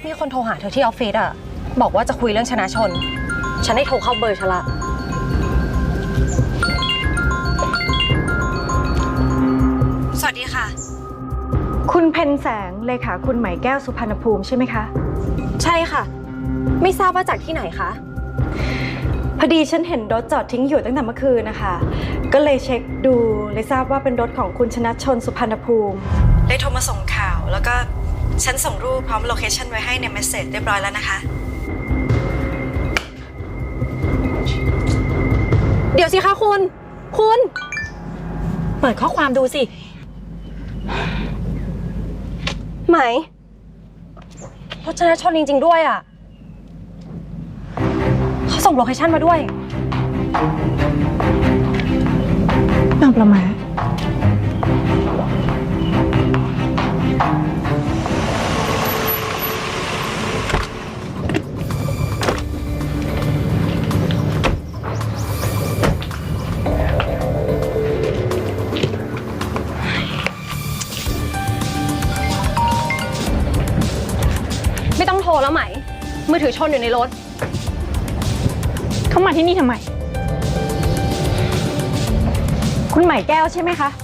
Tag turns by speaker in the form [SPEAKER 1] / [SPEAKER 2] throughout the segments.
[SPEAKER 1] มีคนโทรหาเธอที่ออฟฟิศอะบอกว่าจะคุยเรื่องชนะชนฉันได้โทรเข้าเบอร์ฉันละสวัสดีค่ะ
[SPEAKER 2] คุณเพ็ญแสงเลขาคุณไหมแก้วสุพรรณภูมิใช่ไหมคะ
[SPEAKER 1] ใช่ค่ะไม่ทราบว่าจากที่ไหนคะ
[SPEAKER 2] พอดีฉันเห็นรถจอดทิ้งอยู่ตั้งแต่เมื่อคืนนะคะก็เลยเช็คดูเลยทราบว่าเป็นรถของคุณชนะชนสุพรรณภูมิเลยโทรมาส่งข่าวแล้วก็ฉันส่งรูปพร้อมโลเคชั่นไว้ให้ในเมสเซจเรียบร้อยแล้วนะคะ
[SPEAKER 1] เดี๋ยวสิคะคุณเปิดข้อความดูสิไหมรถชนะชนจริงๆด้วยอ่ะเขาส่งโลเคชั่นมาด้วย
[SPEAKER 2] บางประมา
[SPEAKER 1] ไม่ต้องโทรแล้วไหมมือถือชนอยู่ในรถ
[SPEAKER 2] เขามาที่นี่ทำไมคุณไหมแก้วใช่ไหมคะ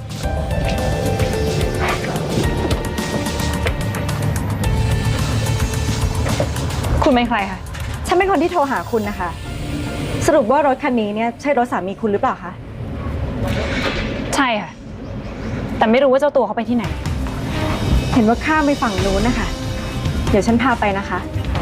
[SPEAKER 2] คุณเป็นใครคะฉันเป็นคนที่โทรหาคุณนะคะสรุปว่ารถคันนี้เนี่ยใช่รถสามีคุณหรือเปล่าคะใช่ค่ะแต่ไม่รู้ว่าเจ้าตัวเขาไปที่ไหนเห็นว่าข้ามไปฝั่งนู้นนะคะเดี๋ยวฉันพาไปนะคะ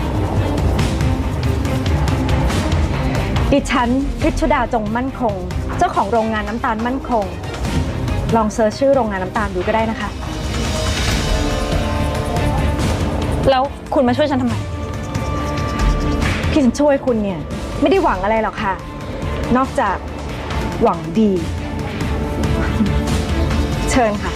[SPEAKER 2] ดิฉันฤทธิดาจงมั่นคงเจ้าของโรงงานน้ำตาลมั่นคงลองเซิร์ชชื่อโรงงานน้ำตาลดูก็ได้นะคะแล้วคุณมาช่วยฉันทำไมที่ฉันช่วยคุณเนี่ยไม่ได้หวังอะไรหรอกค่ะนอกจากหวังดีเชิญค่ะ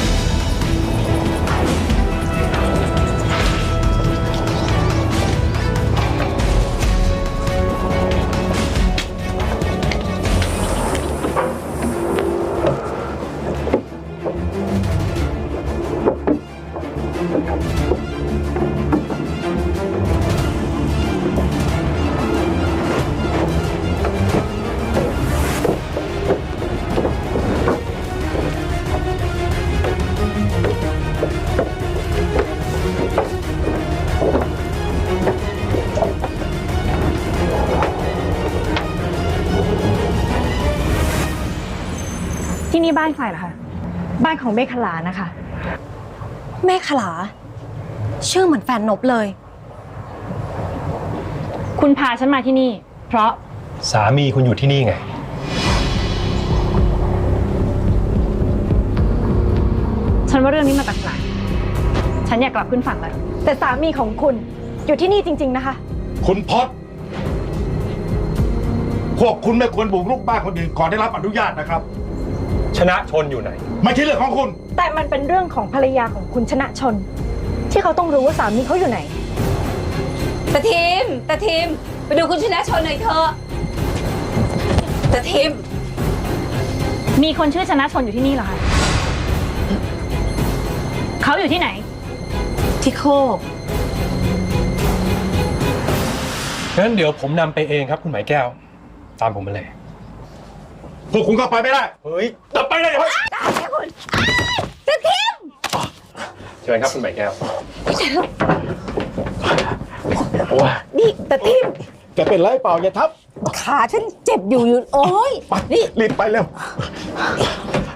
[SPEAKER 2] ที่นี่บ้านใครเหรอคะบ้านของเมฆขลานะคะ
[SPEAKER 1] เมฆขลาชื่อเหมือนแฟนนบเลย
[SPEAKER 2] คุณพาฉันมาที่นี่เพราะ
[SPEAKER 3] สามีคุณอยู่ที่นี่ไง
[SPEAKER 2] ฉันว่าเรื่องนี้มาแปลกๆฉันอยากกลับขึ้นฝั่งแล้วแต่สามีของคุณอยู่ที่นี่จริงๆนะคะ
[SPEAKER 4] คุณพศพวกคุณไม่ควรบุกรุกบ้านคนอื่นก่อนได้รับอนุญาตนะครับ
[SPEAKER 3] ชนะชนอยู่ไหน
[SPEAKER 4] ไม่ใช่เรื่องของคุณ
[SPEAKER 2] แต่มันเป็นเรื่องของภรรยาของคุณชนะชนที่เขาต้องรู้ว่าสามีเขาอยู่ไหน
[SPEAKER 5] ตาทิมไปดูคุณชนะชนหน่อยเถอะตาทิม
[SPEAKER 2] มีคนชื่อชนะชนอยู่ที่นี่เหรอคะเขาอยู่ที่ไหน
[SPEAKER 5] ที่โคก
[SPEAKER 3] งั้นเดี๋ยวผมนำไปเองครับคุณหมายแก้วตามผมมาเลย
[SPEAKER 4] พวกคุณก็ไปไม่ได้
[SPEAKER 3] เฮ้ย
[SPEAKER 4] จะไปได้ยังไง
[SPEAKER 5] ได้คุณตาทิม
[SPEAKER 3] เชิญครับคุณหมายแก้ว
[SPEAKER 5] นี่ตาทิม
[SPEAKER 4] จะเป็นไรเปล่าอย่าทับ
[SPEAKER 5] ขาฉันเจ็บอยู่โอ้ย
[SPEAKER 4] นี่รีบไปเร็ว